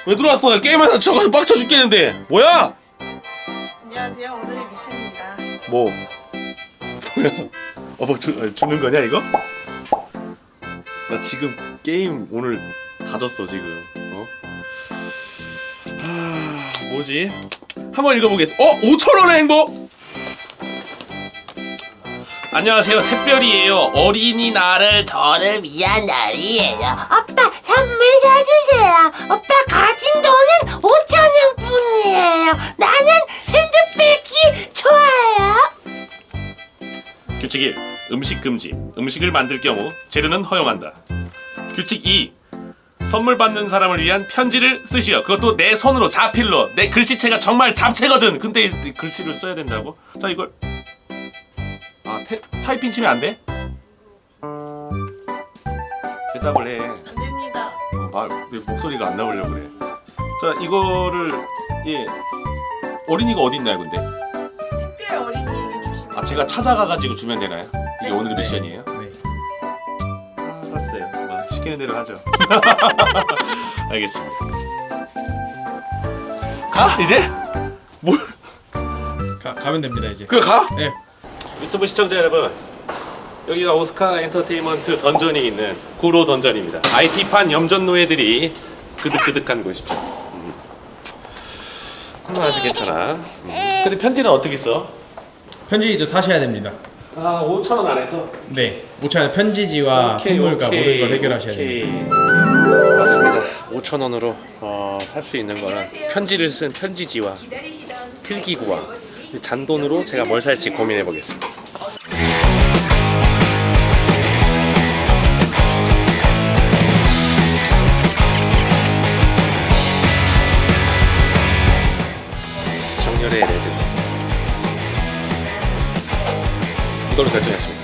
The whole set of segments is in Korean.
왜 들어왔어? 게임하다 저거 빡쳐 죽겠는데. 뭐야? 안녕하세요. 오늘의 미션입니다. 뭐? 뭐야? 뭐 주는 거냐 이거? 나 지금 게임 오늘 다 졌어 지금. 뭐지? 한번 읽어보겠. 5,000원의 행복. 안녕하세요, 샛별이에요. 어린이날을 저를 위한 날이에요. 오빠 선물 사주세요. 오빠 가진 돈은 5,000원 뿐이에요. 나는 핸드백이 좋아요. 규칙 1. 음식 금지. 음식을 만들 경우 재료는 허용한다. 규칙 2. 선물 받는 사람을 위한 편지를 쓰시오. 그것도 내 손으로 자필로. 내 글씨체가 정말 잡채거든. 근데 글씨를 써야 된다고? 자, 이걸 타이핑 치면 안 돼? 대답을 해. 안 됩니다. 왜 목소리가 안 나오려고 그래. 자, 이거를 어린이가 어디 있나요, 근데? 특별 어린이에게 주시면 제가 찾아가가지고 주면 되나요? 이게 오늘의 미션이에요? 네. 알았어요. 시키는 대로 하죠. 알겠습니다. 가? 이제? 뭘? 가면 됩니다 이제. 그래 가? 네. 유튜브 시청자 여러분, 여기가 오스카 엔터테인먼트 던전이 있는 구로 던전입니다. IT판 염전 노예들이 그득그득한 곳이죠. 아주 괜찮아. 근데 편지는 어떻게 써? 편지도 사셔야 됩니다. 5,000원 안에서? 네. 5,000원 편지지와 선물과 모든 걸 해결하셔야 됩니다. 맞습니다. 5,000원으로 살 수 있는 거는 편지를 쓴 편지지와 필기구와 잔돈으로 제가 뭘 살지 고민해 보겠습니다. 정열의 레드 이걸로 결정했습니다.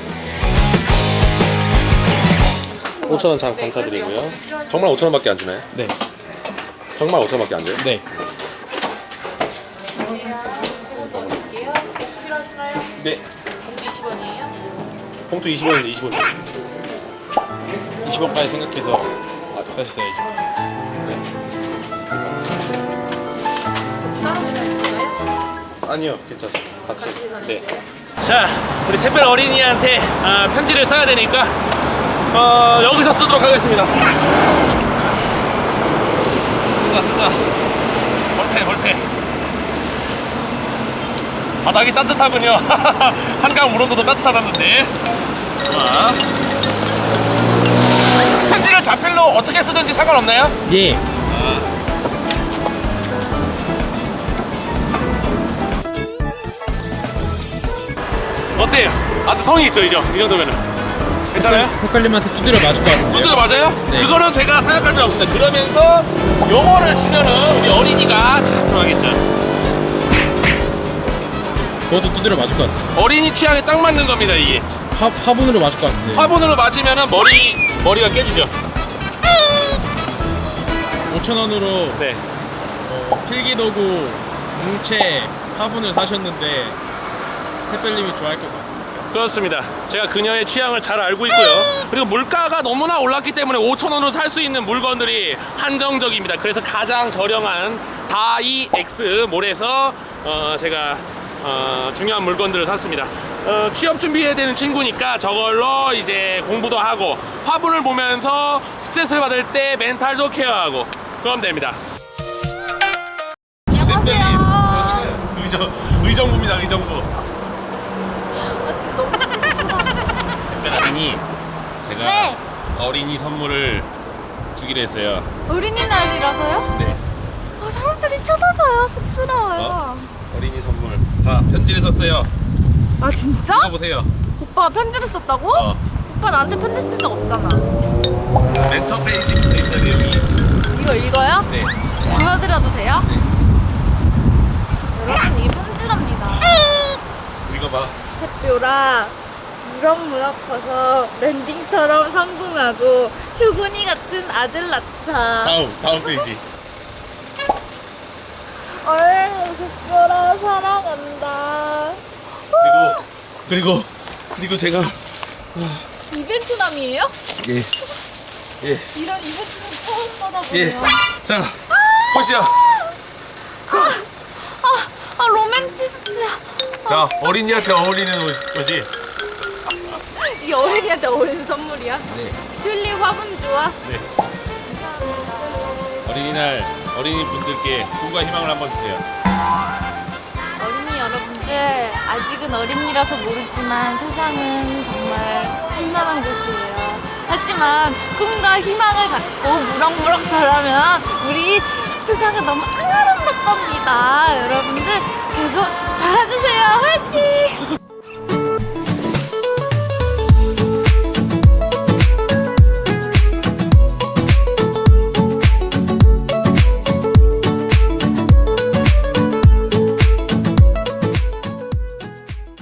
5,000원 참 감사드리고요. 정말 5,000원밖에 안 주나요? 네. 정말 5,000원밖에 안 줘요? 네. 필요하신가요? 네. 봉투 20원이에요? 봉투 20원인데 20원. 20원까지 생각해서 사셨어야죠. 따로 드려요? 아니요, 괜찮습니다. 같이. 네. 자, 우리 샛별 어린이한테 편지를 써야 되니까 여기서 쓰도록 하겠습니다. 쓰다. 볼펜. 바닥이 따뜻하군요. 한강 물온도도 따뜻하다는데. 편지를 자필로 어떻게 쓰든지 상관없나요? 예. 어때요? 아주 성의 있죠, 이 정도면은. 괜찮아요? 색깔님한테 두드려 맞을 것 같은데요. 두드려 맞아요? 네. 그거는 제가 생각할 필요 없습니다. 그러면서 요거를 주면은 우리 어린이가 참 좋아하겠죠. 그것도 두드려 맞을 것 같아요. 어린이 취향에 딱 맞는 겁니다, 이게. 화분으로 맞을 것 같은데. 화분으로 맞으면은 머리가 깨지죠. 5,000원으로 네. 필기도구, 뭉채, 화분을 사셨는데 샛별님이 좋아할 것 같습니다. 그렇습니다. 제가 그녀의 취향을 잘 알고 있고요. 그리고 물가가 너무나 올랐기 때문에 5,000원으로 살 수 있는 물건들이 한정적입니다. 그래서 가장 저렴한 다이엑스 몰에서 제가 중요한 물건들을 샀습니다. 취업 준비해야 되는 친구니까 저걸로 이제 공부도 하고 화분을 보면서 스트레스를 받을 때 멘탈도 케어하고 그러면 됩니다. 안녕하세요. 의정부입니다. 의정부. 지금 너무 특별하니 제가 네. 어린이 선물을 주기로 했어요. 어린이날이라서요? 네. 사람들이 쳐다봐요. 쑥스러워요. 어린이 선물. 자, 편지를 썼어요. 아 진짜? 읽어보세요. 오빠가 편지를 썼다고? 오빠 나한테 편지 쓴 적 없잖아. 맨 첫 페이지부터 있어요, 내용이. 이거 읽어요? 네. 보여드려도 돼요? 여러분 이게 편지랍니다. 읽어봐. 샛별아 무럭무럭 커서 랜딩처럼 성공하고 효군이 같은 아들 낳자. 다음 페이지. 샛별아 사랑한다. 그리고 제가 이벤트남이에요? 예. 이런 이벤트는 처음 받아보네요. 예. 자, 꽃이야. 로맨티스트야. 자, 어린이한테 어울리는 옷이. 이 어린이한테 어울리는 선물이야. 네. 튤립 화분 좋아. 네. 어린이날 어린이 분들께 꿈과 희망을 한번 주세요. 어린이 여러분들, 아직은 어린이라서 모르지만 세상은 정말 험난한 곳이에요. 하지만 꿈과 희망을 갖고 무럭무럭 자라면 우리 세상은 너무 아름답답니다. 여러분들 계속 자라주세요. 화이팅!